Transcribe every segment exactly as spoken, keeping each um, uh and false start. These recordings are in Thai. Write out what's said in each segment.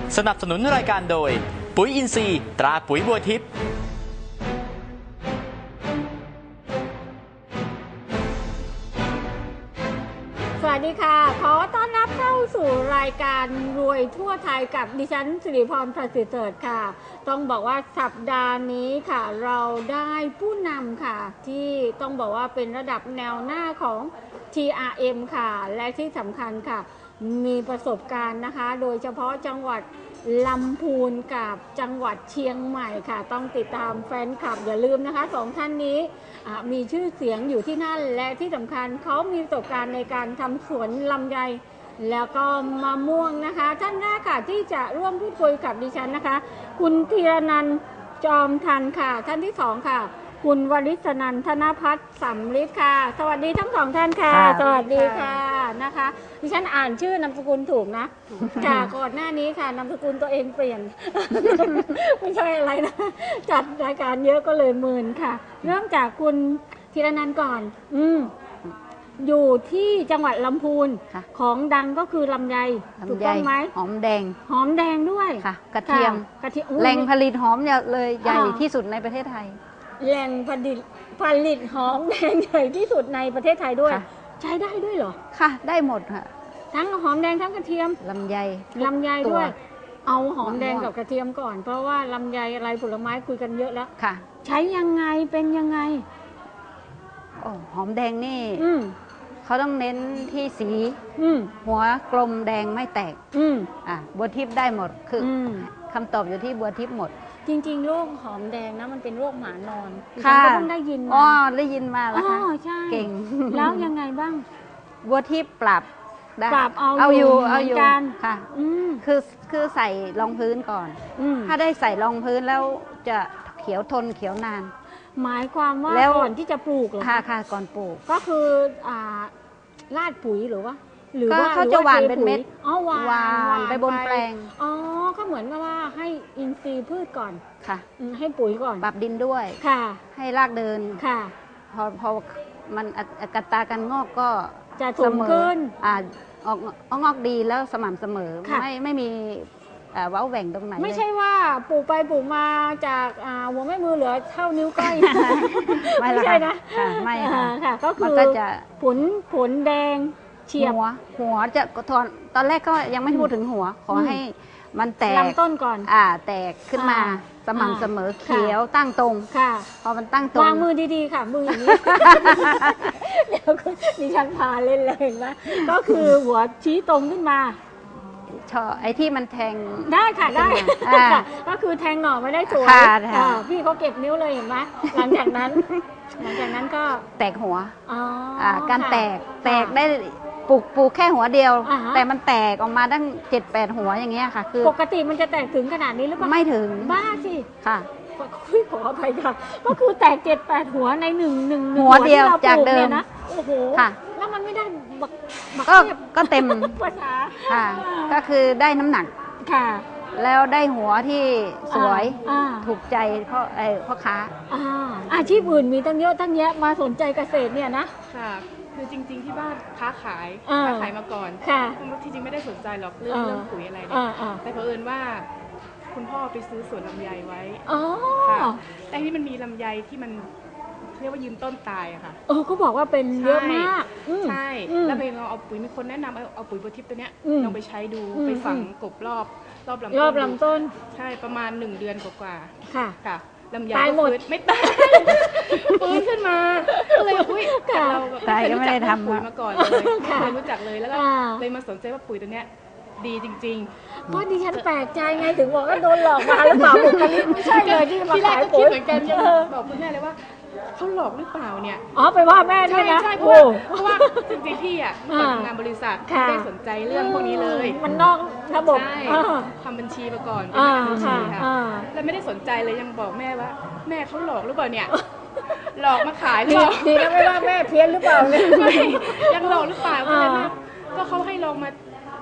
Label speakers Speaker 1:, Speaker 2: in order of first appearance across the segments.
Speaker 1: สนับสนุนรายการโดยปุ๋ยอินทรีย์ตราปุ๋ยบัวทิพย์
Speaker 2: สวัสดีค่ะขอต้อนรับเข้าสู่รายการรวยทั่วไทยกับดิฉันสิริพรประสิทธิ์เสริฐค่ะต้องบอกว่าสัปดาห์นี้ค่ะเราได้ผู้นำค่ะที่ต้องบอกว่าเป็นระดับแนวหน้าของ ที อาร์ เอ็ม ค่ะและที่สำคัญค่ะมีประสบการณ์นะคะโดยเฉพาะจังหวัดลำพูนกับจังหวัดเชียงใหม่ค่ะต้องติดตามแฟนคลับอย่าลืมนะคะสองท่านนี้มีชื่อเสียงอยู่ที่นั่นและที่สำคัญเขามีประสบการณ์ในการทำสวนลำไยแล้วก็มะม่วงนะคะท่านแรกค่ะที่จะร่วมพูดคุยกับดิฉันนะคะคุณธีรนันท์จอมทันค่ะท่านที่สองค่ะคุณวริศนันท์ธนภัทรสำลิดค่ะสวัสดีทั้งสองท่านค่ะสวัสดีค่ะนะคะดิฉันอ่านชื่อนามสกุลถูกนะค่ะก่อนหน้านี้ค่ะนามสกุลตัวเองเปลี่ยน ไม่ใช่อะไรนะจัดรายการเยอะก็เลยมึนค่ะเริ่มจากคุณธีรนันท์ก่อนอืมอยู่ที่จังหวัดลำพูนของดังก็คือลำไยถูกต้องไหม
Speaker 3: หอมแดง
Speaker 2: หอมแดงด้วย
Speaker 3: ค่ะกระเทียม
Speaker 2: กระเทียม
Speaker 3: แหล่งผลิตหอมเลยใหญ่ที่สุดในประเทศไทย
Speaker 2: แหล่งผลิตผลิตหอมแดงใหญ่ที่สุดในประเทศไทยด้วยใช้ได้ด้วยเหรอ
Speaker 3: ค่ะได้หมดค่ะ
Speaker 2: ทั้งหอมแดงทั้งกระเทียม
Speaker 3: ลำไย
Speaker 2: ลำไยด้วยเอาหอมแดงกับกระเทียมก่อนเพราะว่าลำไยอะไรผลไม้คุยกันเยอะแล้ว
Speaker 3: ค่ะ
Speaker 2: ใช้ยังไงเป็นยังไง
Speaker 3: โอ้หอมแดงนี่เขาต้องเน้นที่สีหัวกลมแดงไม่แตกอ่ะบัวทิพย์ได้หมดคือคำตอบอยู่ที่บัวทิพย์หมด
Speaker 2: จริงๆโรคหอมแดงนะมันเป็นโรคหมานอนค่ะก็ต้องได้ยิน
Speaker 3: อ๋อได้ยินมาแล้วค่ะเก่ง
Speaker 2: แล้วยังไงบ้าง
Speaker 3: บัวทิพย์ปรับ
Speaker 2: ปรับเอา
Speaker 3: เอาอยู่เอาอยู่ค่ะคือคือใส่รองพื้นก่อนถ้าได้ใส่รองพื้นแล้วจะเขียวทนเขียวนาน
Speaker 2: หมายความว่าก่อนที่จะปลูกเหรอ
Speaker 3: ค่ะค่ะก่อนปลูก
Speaker 2: ก็คืออ่าราดปุ๋ยหรือว่าหรือ
Speaker 3: ว่าเขาจะหว่านเป็นเม็ด
Speaker 2: อ๋อหว่าน
Speaker 3: ไปบนแปลง
Speaker 2: อ๋อก็เหมือนกับว่าให้อินทรีย์พืชก่อน
Speaker 3: ค่ะ
Speaker 2: ให้ปุ๋ยก่อน
Speaker 3: ปรับดินด้วย
Speaker 2: ค่ะ
Speaker 3: ให้รากเดิน
Speaker 2: ค่ะ
Speaker 3: พอพอมันกัตราการงอกก็
Speaker 2: จะสูงขึ้น
Speaker 3: อ่าออกงอกดีแล้วสม่ำเสมอไม่ไม่มีเว้าแหว่งตรงไหน
Speaker 2: ไม่ใช่ว่าปลูกไปปลูกมาจากหัวแม่มือเหลือเท่านิ้วก้อย
Speaker 3: ไม่ใช่นะไม่
Speaker 2: ค่ะก็คือผลผลแดงเฉียบ
Speaker 3: หัวหัวจะตอนตอนแรกก็ยังไม่พูดถึงหัวขอให้มันแตก
Speaker 2: ลำต้นก่อน
Speaker 3: อ่าแตกขึ้นมาสม่ำเสมอเขียวตั้งตรง
Speaker 2: ค่ะ
Speaker 3: พอมันตั้งตรง
Speaker 2: วางมือดีๆค่ะมืออย่างนี้เดี๋ยวดิฉันพาเล่นเลยเห็นไหมก็คือหัวชี้ตรงขึ้นมา
Speaker 3: ชอไอ้ที่มันแทง
Speaker 2: ได้ค่ะได้ก็คือแทงหน่อไม่ได้สวยพี่เขาเก็บนิ้วเลยเห็นไหมหลังจากนั้นหลังจากนั้นก็
Speaker 3: แตกหัวการแตกแตกได้ปลูกปลูกแค่หัวเดียวแต่มันแตกออกมาตั้งเจ็ดแปดหัวอย่างเงี้ยค่ะคือ
Speaker 2: ปกติมันจะแตกถึงขนาดนี้หรือเปล่า
Speaker 3: ไม่ถึง
Speaker 2: บ้าสิ
Speaker 3: ค่ะ
Speaker 2: คุยขออภัยค่ะก็คือแตกเจ็ดแปดหัวในหนึ่งหนึ่ง
Speaker 3: หัวเดียวจากเดิม
Speaker 2: นะโอ้โหแล้วมันไม่ได้บัก
Speaker 3: ก็ก็เต็ม
Speaker 2: ภาษา
Speaker 3: ค่ะก็คือได้น้ำหนัก
Speaker 2: ค่ะ
Speaker 3: แล้วได้หัวที่สวยถูกใจเพราะไอ้พ่อค้า
Speaker 2: อาชีพอื่นมีตั้งเยอะตั้งแยะมาสนใจเกษตรเนี่ยนะ
Speaker 4: ค่ะคือจริงๆที่บ้านค้าขายค้าขายมาก่อนที่จริงไม่ได้สนใจหรอกเรื่องเรื่องปุ๋ยอะไรเนี่ยแต่เผอิญว่าคุณพ่อไปซื้อสวนลำไยไว้ค่ะแต่ที่มันมีลำไยที่มันเรียกว่ายืนต้นตายอะค่ะ
Speaker 2: เออเขาบอกว่าเป็นเยอะมาก
Speaker 4: ใช่แล้วไปลองเอาปุ๋ยมีคนแนะนำเอาเอาปุ๋ยบัวทิพย์ตัวเนี้ยลองไปใช้ดูไปฝังกบรอบรอบลำต้น
Speaker 2: รอบลำต้น
Speaker 4: ใช่ประมาณหนึ่งเดือนกว่าๆ
Speaker 2: ค่ะ
Speaker 4: ค่ะลำไย
Speaker 2: ตายหมด
Speaker 4: ไม่ตายฟื้นขึ้นมาก็เลยอุ้ยเราแบบ
Speaker 3: ตายก็ไม่ได้ทำ
Speaker 4: ปุ๋ยมาก่อนเลยไม่เคยรู้จักเลยแล้วก็เลยมาสนใจว่าปุ๋ยตัวเนี้ยดีจริง
Speaker 2: ๆเพราะดิฉันแปลกใจไงถึงบอกว่าโดนหลอกมาหรือเปล่าบุคลิกไม่ใช่เลยที่มาขายปุ๋ย
Speaker 4: เหมือนกันบอกคุณแม่เลยว่าเขาหลอกหรือเปล่าเนี่ย
Speaker 2: อ๋อไปว่าแม่ด้วยนะ
Speaker 4: ใช่เพราะว่าเพราะว่าจริงๆพี่อ่ะทำงานบริษัทไม่ได้สนใจเรื่องพวกนี้เลย
Speaker 2: มันนอกระบบ
Speaker 4: ทำบัญชีมาก่อนเป็นบัญชีค่ะแล้วไม่ได้สนใจเลยยังบอกแม่ว่าแม่เขาหลอกหรือเปล่าเนี่ยหลอกมาขายหรอ
Speaker 2: ดีนะไม่ว่าแม่เพี้ยนหรือเปล่าเนี่ย
Speaker 4: ยังหลอกหรือเปล่าก็เลยว่าก็เขาให้ลองมา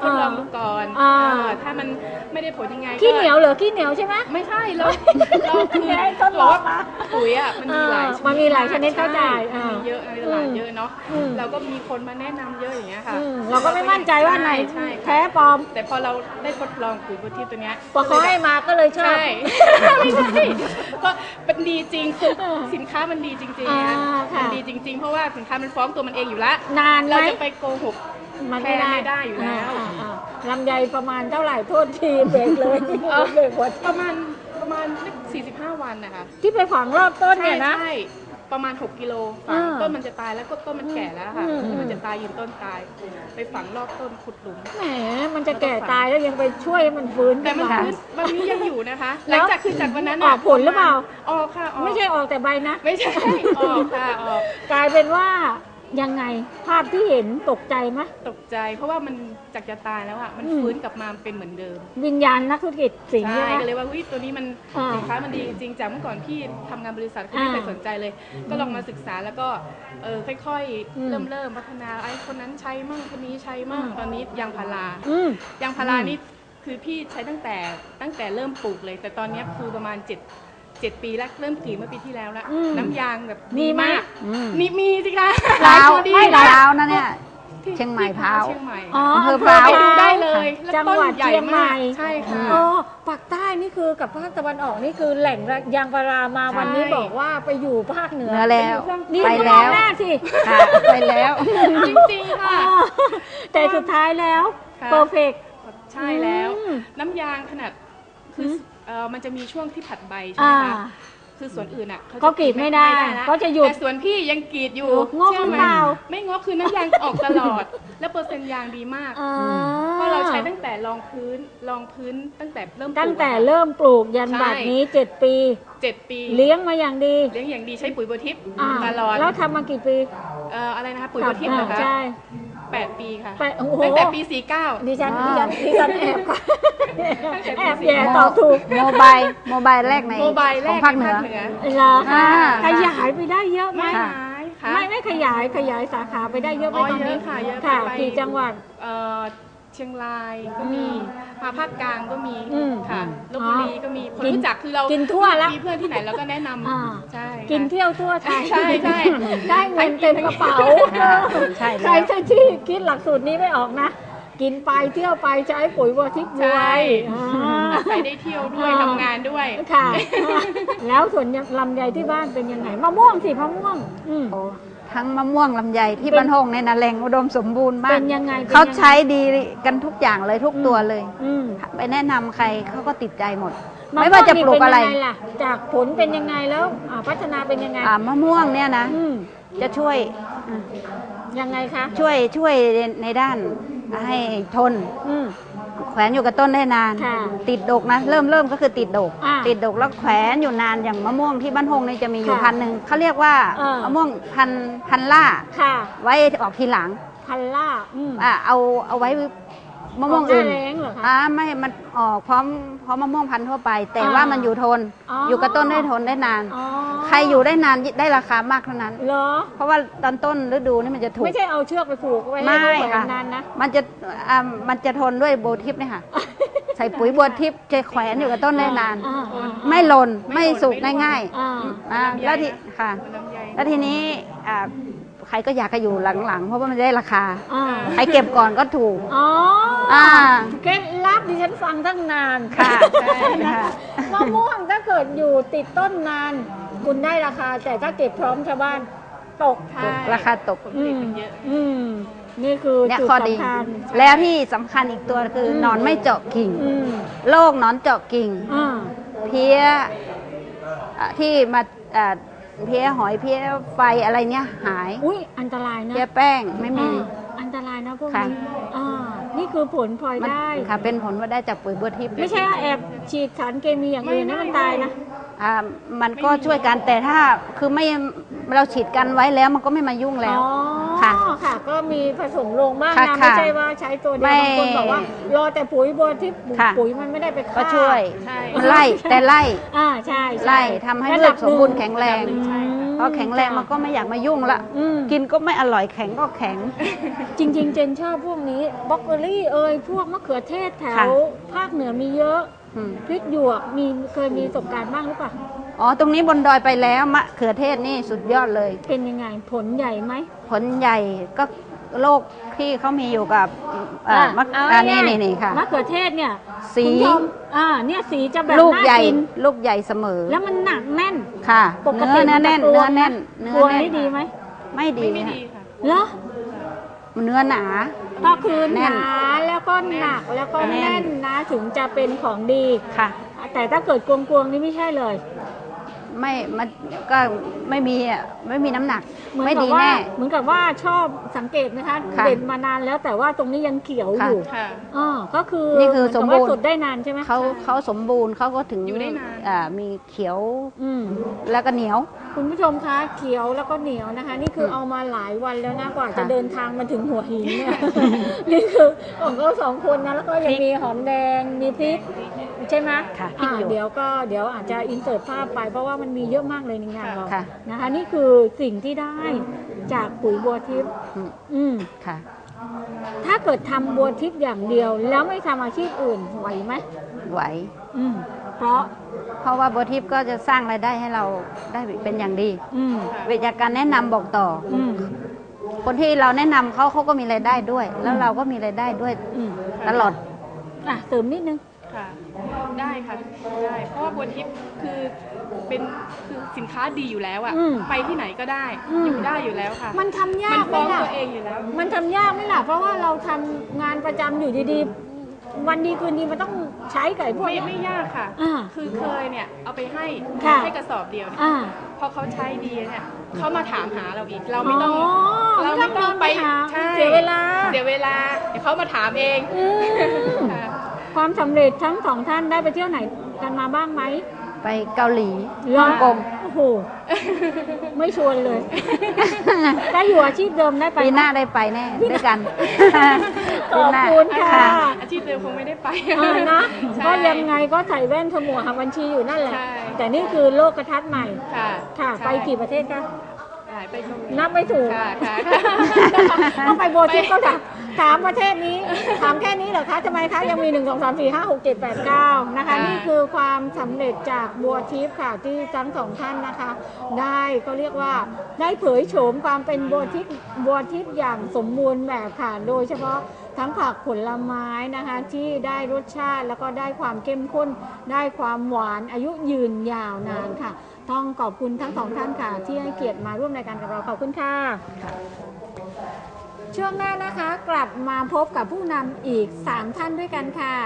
Speaker 4: ทดลองดูก่อน
Speaker 2: อ่า
Speaker 4: เออถ้ามันไม่ได้ผลยังไง
Speaker 2: ขี้
Speaker 4: ก็
Speaker 2: เหนียวเหรอขี้เหนียวใช่ไหม
Speaker 4: ไม่ใช่เราเราคือ
Speaker 2: ให้ทดล
Speaker 4: บอก
Speaker 2: อง
Speaker 4: ว่า
Speaker 2: มา
Speaker 4: ปุ๋ยอ่ะมันมีหลายชนิด
Speaker 2: มันมีหลายชนิดเข้าใจ
Speaker 4: ช่
Speaker 2: อ่ามี
Speaker 4: มีเยอะในตลาดเยอะเนาะ
Speaker 2: อืม
Speaker 4: เราก็มีคนมาแนะนำเยอะอย่างเงี้ยค่ะ
Speaker 2: อืมเราก็ไม่มั่นใจว่าไหน
Speaker 4: ใช่ค่ะ
Speaker 2: แท้ปลอม
Speaker 4: แต่พอเราได้ทดลองปุ๋ยโบทิปตัวเนี้ย
Speaker 2: พอเขาให้มาก็เลยชอบ
Speaker 4: ใช่ ไม่ใช่ก็เป็นดีจริงคือสินค้ามันดีจริงๆ
Speaker 2: อ่า
Speaker 4: นะ
Speaker 2: ค่ะ
Speaker 4: มันดีจริง ๆ เพราะว่าสินค้ามันฟ้องตัวมันเองอยู่แล้ว
Speaker 2: นานไหม
Speaker 4: เราจะไปโกหก
Speaker 2: มัน
Speaker 4: แค่
Speaker 2: ไม่ได้
Speaker 4: ไม่ได้อยู่แล้ว
Speaker 2: อ่าอ่าลำไยประมาณเท่าไหร่โทษทีเบรกเลย
Speaker 4: เออ
Speaker 2: เบรกหัว
Speaker 4: ประมาณประมาณสี่สิบห้าวันนะคะ
Speaker 2: ที่ไปฝังรอบต้นเนี่ยนะ
Speaker 4: ใช่ประมาณหกกิโลฝัง
Speaker 2: อ่า
Speaker 4: ต้นมันจะตายแล้วก็ต้นมันแก่แล้วค่ะ
Speaker 2: อืม
Speaker 4: มันจะตายยืนต้นตาย ไปฝังรอบต้นขุดหลุม
Speaker 2: แหมมันจะแก่ตายแล้วยังไปช่วยให้มันฟื้น
Speaker 4: แต่มัน
Speaker 2: ขึ้า
Speaker 4: พื้นวันนี้ยังอยู่นะคะ ห
Speaker 2: แล้
Speaker 4: ลั
Speaker 2: ว
Speaker 4: งจากคือจากวันนั้น
Speaker 2: ออกผลหรือเปล่า
Speaker 4: ออกค่ะออก
Speaker 2: ไม่ใช่ออกแต่ใบนะ
Speaker 4: ไม่ใช่ออกค่ะออก
Speaker 2: กลายเป็นว่ายังไงภาพที่เห็นตกใจไหม
Speaker 4: ตกใจเพราะว่ามันจากจะตายแล้วอ่ะมัน
Speaker 2: อืม
Speaker 4: ฟื้นกลับมาเป็นเหมือนเดิม
Speaker 2: วิญญาณนักธุรกิจสิงห์
Speaker 4: ใช่
Speaker 2: ใช่ไหม
Speaker 4: ก็เลยว่าเฮ้ยตัวนี้มัน
Speaker 2: อ่า
Speaker 4: สินค้ามันดีจริงๆจากเมื่อก่อนพี่ทำงานบริษัทก็ไม่เคย
Speaker 2: อ่า
Speaker 4: สนใจเลย ก็ลองมาศึกษาแล้วก็เออค่อย
Speaker 2: อืม
Speaker 4: ๆ เริ่มเริ่มพัฒนาไอ้คนนั้นใช้มั่งคนนี้ใช้มั่ง
Speaker 2: อืม
Speaker 4: ตอนนี้ยางพารา
Speaker 2: อืม
Speaker 4: ยางพารา
Speaker 2: อืม
Speaker 4: นี่คือพี่ใช้ตั้งแต่ตั้งแต่เริ่มปลูกเลย แต่ตอนนี้คือประมาณเจ็ดเจ็ดปีแล้วเริ่มกรีดเมื่อปีที่แล้วละ
Speaker 2: อืม
Speaker 4: น้ำยางแบบ
Speaker 2: มีไหม
Speaker 4: าก
Speaker 3: อืม
Speaker 4: มีมีสิคะ
Speaker 3: พร้าว
Speaker 4: ตัวดี
Speaker 3: ไม่
Speaker 4: นะ
Speaker 3: พร้าวนะเนี่ย
Speaker 4: ที่
Speaker 3: เชียงใหม่
Speaker 4: ที่
Speaker 3: พร้าว
Speaker 4: เชียงใหม่
Speaker 2: อ๋อ
Speaker 3: อำเภอ
Speaker 2: อำเภอ
Speaker 3: พร้าว
Speaker 4: ไปดู
Speaker 2: พร้าว
Speaker 4: ได้เลยแล้ว
Speaker 2: จัง
Speaker 4: ต้น
Speaker 2: หวัด
Speaker 4: ใหญ่
Speaker 2: เชียงใหม่
Speaker 4: มากใช่ค่ะ
Speaker 2: อ๋อปากใต้นี่คือกับภาคตะวันออกนี่คือแหล่งยางพารามา
Speaker 4: ใช่
Speaker 2: วันนี้บอกว่าไปอยู่ภาคเหนือ
Speaker 3: เหนือแล้ว
Speaker 2: นี่
Speaker 3: ไป
Speaker 2: ก็ม
Speaker 3: แล้
Speaker 2: อง
Speaker 3: ว
Speaker 2: หน้าสิ
Speaker 3: ค่ะไปแล้ว
Speaker 4: จริงๆ
Speaker 2: อ๋
Speaker 4: ค่ะ
Speaker 2: อแต่สุดท้ายแล้ว
Speaker 4: ค่ะ
Speaker 2: โปรเฟก
Speaker 4: ใช่แล้ว
Speaker 2: อืม
Speaker 4: น้ำยางขนาดคืออ
Speaker 2: ม
Speaker 4: เอ่อมันจะมีช่วงที่ผัดใบใช่ไหม
Speaker 2: อ่า
Speaker 4: คะคือสวนอื่นอ่ะ
Speaker 2: เขากรีดไม่ได้
Speaker 4: ละ
Speaker 2: เขาจะหยุด
Speaker 4: แต่สวนพี่ยังกรีดอยู่
Speaker 2: งอก
Speaker 4: เชื่อไหม
Speaker 2: หรือเปล่า
Speaker 4: ไม่งอกคือน้ำยางออกตลอด แล้วเปอร์เซ็นต์ยางดีมาก
Speaker 2: อ่า
Speaker 4: เพราะเราใช้ตั้งแต่รองพื้นรองพื้นตั้งแต่เริ่มปลูก
Speaker 2: ตั้งแต่
Speaker 4: อะค่ะ
Speaker 2: เริ่มปลูกยัน
Speaker 4: ใช่
Speaker 2: บัดนี้เจ็ดปี
Speaker 4: เจ็ดปี
Speaker 2: เลี้ยงมาอย่างดี
Speaker 4: เลี้ยงอย่างดีใช้ปุ๋ยโบทิป
Speaker 2: อ่า
Speaker 4: ตลอด
Speaker 2: แล้วทำมากี่ปี
Speaker 4: เอ่ออะไรนะคะปุ๋ยโบทิปเหรอ
Speaker 2: อ่า
Speaker 4: คะ
Speaker 2: ใช่
Speaker 4: แปดปีค่ะ
Speaker 2: แปดโอ้โห
Speaker 4: ตั้งแต่ปีสี่เก้า
Speaker 2: ดิฉัน
Speaker 3: ว้าว
Speaker 2: ดิฉันดิฉันแอบก่อน
Speaker 4: ตั้งแต่ปี
Speaker 2: แอบ
Speaker 4: สี่
Speaker 2: แย่ตอบถูก
Speaker 3: โมบายโมบายแรกใน
Speaker 4: โมบายแร
Speaker 3: ของ
Speaker 4: ก
Speaker 3: ภาคเหนือ
Speaker 4: ใน
Speaker 2: เหรอ
Speaker 3: อ่า
Speaker 2: ขยายไปได้เยอะไหม
Speaker 4: ไม่
Speaker 3: ค่ะ
Speaker 4: หายค่ะ
Speaker 2: ไม่ไม่ขยายขยายสาขาไปได้เยอะไหม
Speaker 4: อ๋อ
Speaker 2: ตอน
Speaker 4: เย
Speaker 2: นี้
Speaker 4: อะค่ะเยอะ
Speaker 2: ค่ะ
Speaker 4: ไป
Speaker 2: กี่จังหวัด
Speaker 4: เอ่อเชียงรายก็มี
Speaker 2: อืม
Speaker 4: มาภาคกลางก็มี
Speaker 2: อืม
Speaker 4: ค่ะลบบุรีก็มีคน
Speaker 2: กิน
Speaker 4: รู้จักคือเรา
Speaker 2: กินทั่วละ
Speaker 4: มีเพื่อนที่ไหนเราก็แนะน
Speaker 2: อ่า
Speaker 4: ำใช่ค่ะ
Speaker 2: กินเที่ยวทั่วไทย
Speaker 4: ใช่ใช่
Speaker 2: ได้เงินเต็มกระเป๋า
Speaker 3: ค่ะใช่แล้ว
Speaker 2: ใครที่คิดหลักสูตรนี้ไม่ออกนะ กินไปเที่ยวไปใช้ปุ๋ยวัวทิพย์ร
Speaker 4: ใช่
Speaker 2: วยอ่า
Speaker 4: อาศัยได้เที่ยวด้วย
Speaker 2: อ่า
Speaker 4: ทำงานด้วย
Speaker 2: ค่ะ แล้วส่วนลำไยที่บ้านเป็นยังไงมะม่วงสิมะม่วงอืม
Speaker 3: โอ้ทั้งมะม่วงลำไยที่
Speaker 2: เป็น
Speaker 3: บ้านหงในนาแหล่งอุดมสมบูรณ์มา
Speaker 2: เป็
Speaker 3: ก
Speaker 2: นยังไงเป็นยังไง
Speaker 3: เขาใช้ดีกันทุกอย่างเลยทุกตัวเลย
Speaker 2: อืม
Speaker 3: ไปแนะนำใครเขาก็ติดใจหมด
Speaker 2: ม
Speaker 3: ไม่ว่าจะปลูกอะไร
Speaker 2: ม่วงนี่เป็นยังไงล่ะจากผลเป็นยังไงแล้วอ่าพัฒนาเป็นยังไง
Speaker 3: อ่ามะม่วงเนี่ยนะ
Speaker 2: อืม
Speaker 3: จะช่วยอ่ะ
Speaker 2: ยังไงคะ
Speaker 3: ช่วยช่วยในด้านให้ทน
Speaker 2: อืม
Speaker 3: แขวนอยู่กับต้นได้นาน
Speaker 2: ค่ะ
Speaker 3: ติดดกนะ เริ่มเริ่มก็คือติดดก
Speaker 2: อ่า
Speaker 3: ติดดกแล้วแขวนอยู่นานอย่างมะม่วงที่บ้านหงนี่จะมีอยู่
Speaker 2: ค่ะ
Speaker 3: พันหนึ่งเขาเรียกว่า
Speaker 2: เออ
Speaker 3: มะม่วงพันพันล่า
Speaker 2: ค่ะ
Speaker 3: ไว้ออกทีหลัง
Speaker 2: พันล่าอืม
Speaker 3: อ่ะเอาเอาไว้มะม่วง
Speaker 2: ออกหน้า
Speaker 3: อื่น
Speaker 2: แล้งเหรอคะ
Speaker 3: อ่าไม่มันออกพร้อมพร้อมมะม่วงพันธุ์ทั่วไป แต่
Speaker 2: อ่า
Speaker 3: ว่ามันอยู่ทน
Speaker 2: อ๋อ
Speaker 3: อยู่กับต้นได้ทนได้นาน
Speaker 2: อ๋อ
Speaker 3: ใครอยู่ได้นานได้ราคามากเท่านั้น
Speaker 2: เหรอ
Speaker 3: เพราะว่าตอนต้นฤดูนี่มันจะถูก
Speaker 2: ไม่ใช่เอาเชือกไปผูกไว้ให้
Speaker 3: ไม่
Speaker 2: เขาแขว
Speaker 3: ค่ะ
Speaker 2: นนานนะ
Speaker 3: มันจะอ่ามันจะทนด้วยโบทิปเนี่ยค่ะ ใส่ปุ๋ยบัวทิพย์จะแขวนอยู่กับต้นได้นาน
Speaker 2: อ่อ่า
Speaker 3: ไม่หล่น
Speaker 4: ไม่
Speaker 3: ไม่
Speaker 4: หล่น
Speaker 3: สุก
Speaker 4: ไม่ร่วง
Speaker 3: ง่าย
Speaker 2: อ่า
Speaker 3: ๆอ่าแล้วทีค่ะ
Speaker 4: ลำไย
Speaker 3: แล้วทีนี้อ่าใครก็อยากจะอยู่หลังๆ เพราะว่ามันจะได้ราคา
Speaker 2: อ่า
Speaker 3: ใครเก็บก่อนก็ถูก
Speaker 2: อ๋อ
Speaker 3: อ่า
Speaker 2: เคล็ดลับดิฉันฟังตั้งนาน
Speaker 3: ค่ะ
Speaker 2: ใช่
Speaker 3: ค่ะ
Speaker 2: มะม่วงถ้าเกิดอยู่ติดต้นนาน คุณได้ราคา แต่ถ้าเก็บพร้อมชาวบ้านตก
Speaker 4: ใช่
Speaker 3: ราคาตก
Speaker 4: ผลผลิตมันเยอะ
Speaker 2: อืมนี่คือ
Speaker 3: เนี่ย
Speaker 2: จุด
Speaker 3: ข้อดี
Speaker 2: สำคัญ
Speaker 3: แล้วที่สำคัญอีกตัวคืออ
Speaker 2: ม
Speaker 3: หนอนไม่เจาะกิ่ง
Speaker 2: อืม
Speaker 3: โรคหนอนเจาะกิ่ง
Speaker 2: อ่า
Speaker 3: เพี้ยอ่ะที่มาอ่ะเพี้ยหอยเพี้ยไฟอะไรเนี้ยหาย
Speaker 2: อุ้ยอันตรายนะ
Speaker 3: เพี้ยแป้งไม่มี
Speaker 2: อ่าอันตรายนะพวก
Speaker 3: ค่ะ
Speaker 2: นี้อ่านี่คือผลพลอย
Speaker 3: มัน
Speaker 2: ได้
Speaker 3: ค่ะเป็นผลว่าได้จากปุ๋ยบัวทิพย์
Speaker 2: ไม่ใช่ว่าแอบฉีดสารเคมีอย่างอื่นนะมันตายนะ
Speaker 3: อ่ามันก็ช่วยกันแต่ถ้าคือไม่เราฉีดกันไว้แล้วมันก็ไม่มายุ่งแล้ว
Speaker 2: อ๋อ
Speaker 3: ค่ะ
Speaker 2: ค่ะ ก็มีผสมลงบ้าง
Speaker 3: ค่ะ
Speaker 2: นะ
Speaker 3: ค่ะ
Speaker 2: ไม่ใช่ว่าใช้ตัวเดียว
Speaker 3: ไม่
Speaker 2: บางคนบอกว่ารอแต่ปุ๋ยบัวที่
Speaker 3: ค่ะ
Speaker 2: ปุ๋ยมันไม่ได้ไปฆ่า
Speaker 3: ก็ช่วย
Speaker 4: ใช่
Speaker 3: มันไล่แต่ไล่
Speaker 2: อ่าใช่ช่
Speaker 3: ไล่ทำให้
Speaker 2: ระ
Speaker 3: พื
Speaker 2: ดั
Speaker 3: ชสมบูรณ์แข็งแรง
Speaker 2: อืม
Speaker 3: พอแข็งแรงมันก็ไม่อยากมายุ่งละกินก็ไม่อร่อยแข็งก็แข็ง
Speaker 2: จริงๆเจนชอบพวกนี้บล็อกเกอรี่เอ่ยพวกมะเขือเทศแถวภาคเหนือมีเยอะพริกหยวกมีเคยมีประสบการณ์บ้างหรือเปล่า
Speaker 3: อ๋อตรงนี้บนดอยไปแล้วมะเขือเทศนี่สุดยอดเลย
Speaker 2: เป็นยังไงผลใหญ่ไหม
Speaker 3: ผลใหญ่ก็โรคที่เขามีอยู่กับมะอันนี้นี่ค่ะ
Speaker 2: มะเขือเทศเนี่ย
Speaker 3: สี
Speaker 2: อ่าเนี่ยสีจะแบบ
Speaker 3: ลูกใหญ่ลูกใหญ่เสมอ
Speaker 2: แล้วมันหนักแน่น
Speaker 3: ค่ะเนื้อเนื้อแน่นเนื้อแน่น
Speaker 2: เนื้อแน่นดีไหม
Speaker 3: ไม่ดี
Speaker 4: ค่ะ
Speaker 2: เหรอ
Speaker 3: เนื้อหนา
Speaker 2: ก็คือหนาแล้วก็หนักแล้วก็แน่นนะถึงจะเป็นของดี
Speaker 3: ค่ะ
Speaker 2: แต่ถ้าเกิดกวงๆนี่ไม่ใช่เลย
Speaker 3: ไม่มันก็ไม่มีอ่ะไม่มีน้ำหนักไม่ดีแน่
Speaker 2: เหมือนกับว่าชอบสังเกตนะคะเด่นมานานแล้วแต่ว่าตรงนี้ยังเขียวอยู่อ๋อก็คือ
Speaker 3: นี่คือสมบูรณ์
Speaker 2: สุดได้นานใช่ไหม
Speaker 3: เขาเขาสมบูรณ์เขาก็ถึง
Speaker 4: อยู่ได้นาน
Speaker 3: อ่ามีเขียวแล้วก็เหนียว
Speaker 2: คุณผู้ชมคะเขียวแล้วก็เหนียวนะคะนี่คือเอามาหลายวันแล้วนะกว่าจะเดินทางมาถึงหัวหินเนี่ยนี่คือของเขาสองคนนะแล้วก็ยังมีหอมแดงมีพริกใช่ไหม
Speaker 3: ค่ะ
Speaker 2: เดี๋ยวก็เดี๋ยวอาจจะอินเสิร์ตภาพไปเพราะว่ามันมีเยอะมากเลยในงานเรา
Speaker 3: ค่ะ
Speaker 2: นะคะนี่คือสิ่งที่ได้จากปุ๋ยบัวทิพย์อืม
Speaker 3: ค่ะ
Speaker 2: ถ้าเกิดทำบัวทิพย์อย่างเดียวแล้วไม่ทำอาชีพอื่นไหวไหม
Speaker 3: ไหว
Speaker 2: อืมเพราะ
Speaker 3: เพราะว่าบัวทิพย์ก็จะสร้างรายได้ให้เราได้เป็นอย่างดีวิธีการแนะนำบอกต่อคนที่เราแนะนำเขาเขาก็มีรายได้ด้วย แล้วเราก็มีรายได้ด้วยตลอด
Speaker 2: อ่ะเติมนิดนึง
Speaker 4: ค่ะได้ค่ะได้เพราะว่าบัวทิพย์คือเป็นคือสินค้าดีอยู่แล้วอะไปที่ไหนก็ได้อยู่ได้อยู่แล้วค่ะ
Speaker 2: มันทำยาก
Speaker 4: ไหมล่ะมันฟ้องตัวเองอยู่แล้ว
Speaker 2: มันทำยากไหมล่ะเพราะว่าเราทำงานประจำอยู่ดีๆวันดีคืนดีมันต้องใช้ไก่พวก
Speaker 4: นี้ไม่ยากค่ะคือเคยเนี่ยเอาไปให้ให้กระสอบเดียวเนี่ยพอเขาใช้ดีเนี่ยเขามาถามหาเราอีกเราไม่ต้อง
Speaker 2: เราไม่ต้องไปเสียเวลา
Speaker 4: เสียเวลาเดี๋ยวเขามาถามเอง
Speaker 2: ความสำเร็จทั้งสองท่านได้ไปเที่ยวไหนกันมาบ้างไหม
Speaker 3: ไปเกาหลี
Speaker 2: ฮ่
Speaker 3: องกง
Speaker 2: โอ้โหไม่ชวนเลยได้อยู่อาชีพเดิมได้ไป
Speaker 3: ปีหน้าได้ไปแน่ด้วยกัน
Speaker 2: ขอบคุณค่ะ
Speaker 4: อาชีพเดิมคงไม่ได้ไป
Speaker 2: นะก็ยังไงก็ใส่แว่นขมัวหาบัญชีอยู่นั่นแหละแต่นี่คือโลกทัศน์ใหม่ค่ะไปกี่ประเทศคะนับไม่ถูกต้องไปโบทิปก็ถามถามประเทศนี้ถามแค่นี้เหรอคะทำไมคะยังมีหนึ่ง สอง สาม สี่ ห้า หก เจ็ด แปด เก้านะคะนี่คือความสำเร็จจากบัวทิพย์ค่ะที่ทั้งสองท่านนะคะได้ก็เรียกว่าได้เผยโฉมความเป็นบัวทิพย์บัวทิพย์อย่างสมบูรณ์แบบค่ะโดยเฉพาะทั้งผักผลไม้นะคะที่ได้รสชาติแล้วก็ได้ความเข้มข้นได้ความหวานอายุยืนยาวนานค่ะต้องขอบคุณทั้งสองท่านค่ะที่ให้เกียรติมาร่วมรายการกับเราขอบคุณค่ะช่วงหน้านะคะกลับมาพบกับผู้นำอีกสามท่านด้วยกันค่ะ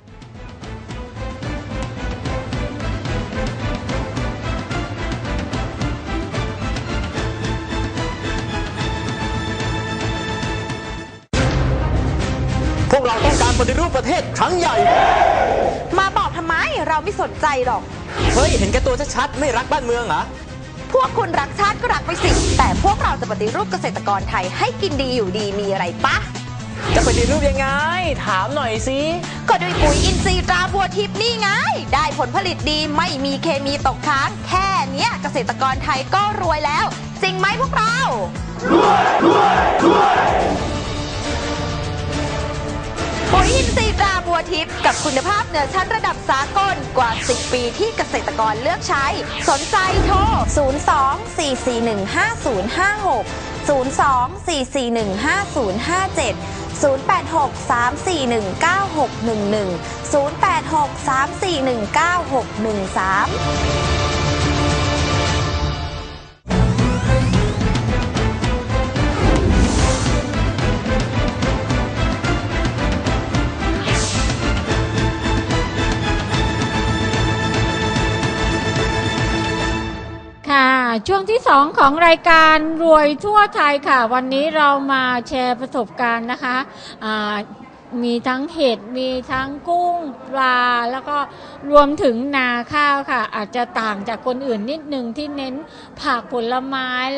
Speaker 1: พวกเราต้องการปฏิรูปประเทศครั้งใหญ่
Speaker 5: มาบอกทำไมเราไม่สนใจหรอก
Speaker 1: เฮ้ยเห็นแก่ตัวชัดๆไม่รักบ้านเมืองเหรอ
Speaker 5: พวกคุณรักชาติก็รักไปสิแต่พวกเราจะปฏิรูปเกษตรกรไทยให้กินดีอยู่ดีมีอะไรปะ
Speaker 1: จะปฏิรูปยังไงถามหน่อยสิ
Speaker 5: ก็ด้วยปุ๋ยอินทรีย์ตราบัวทิพย์นี่ไงได้ผลผลิตดีไม่มีเคมีตกค้างแค่เนี้ยเกษตรกรไทยก็รวยแล้วจริงไหมพวกเรารวยรวยรวยปุ๋ยอินทรีย์ตราบัวทิพย์กับคุณภาพเหนือชั้นระดับสากลกว่าสิบปีที่เกษตรกรเลือกใช้สนใจโทรศูนย์ สอง สี่ สี่ หนึ่ง ห้า ศูนย์ ห้า หก ศูนย์ สอง สี่ สี่ หนึ่ง ห้า ศูนย์ ห้า เจ็ด ศูนย์ แปด หก สาม สี่ หนึ่ง เก้า หก หนึ่ง หนึ่ง ศูนย์ แปด หก สาม สี่ หนึ่ง เก้า หก หนึ่ง สาม
Speaker 2: ช่วงที่สองของรายการรวยทั่วไทยค่ะวันนี้เรามาแชร์ประสบการณ์นะคะมีทั้งเห็ดมีทั้งกุ้งปลาแล้วก็รวมถึงนาข้าวค่ะอาจจะต่างจากคนอื่นนิดนึงที่เน้นผักผลไม้